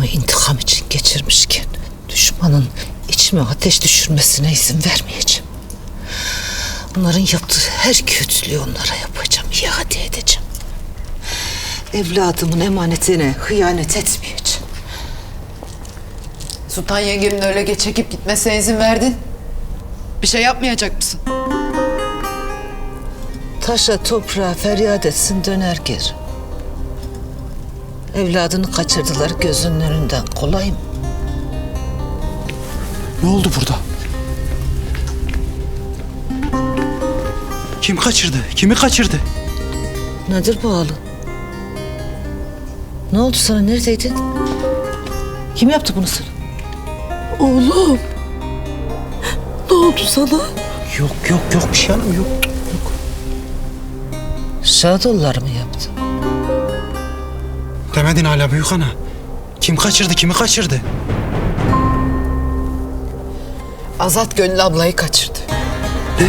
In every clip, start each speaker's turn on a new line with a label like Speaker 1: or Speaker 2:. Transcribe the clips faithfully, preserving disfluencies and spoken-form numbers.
Speaker 1: hayatımı intikam için geçirmişken düşmanın içime ateş düşürmesine izin vermeyeceğim. Onların yaptığı her kötülüğü onlara yapacağım, iade edeceğim. Evladımın emanetine hıyanet etmeyeceğim.
Speaker 2: Sultan yengemin öyle çekip gitmesine izin verdin. Bir şey yapmayacak mısın?
Speaker 1: Taşa toprağa feryat etsin döner geri. Evladını kaçırdılar gözünün önünden, kolay mı?
Speaker 3: Ne oldu burada? Kim kaçırdı? Kimi kaçırdı?
Speaker 1: Nedir bu halı? Ne oldu sana, neredeydin? Kim yaptı bunu sana?
Speaker 4: Oğlum. Ne oldu sana?
Speaker 3: Yok yok yok bir şey hanım yok.
Speaker 1: Şadoğulları mı yaptı?
Speaker 3: Demedin hala büyük ana. Kim kaçırdı? Kimi kaçırdı?
Speaker 2: Azat Gönül ablayı kaçırdı.
Speaker 3: Ne?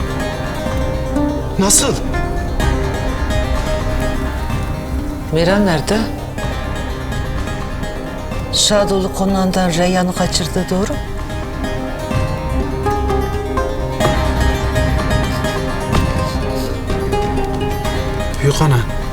Speaker 3: Nasıl?
Speaker 1: Miran nerede? Şadoğlu konağından Reyyan'ı kaçırdı, doğru mu?
Speaker 3: Büyük ana.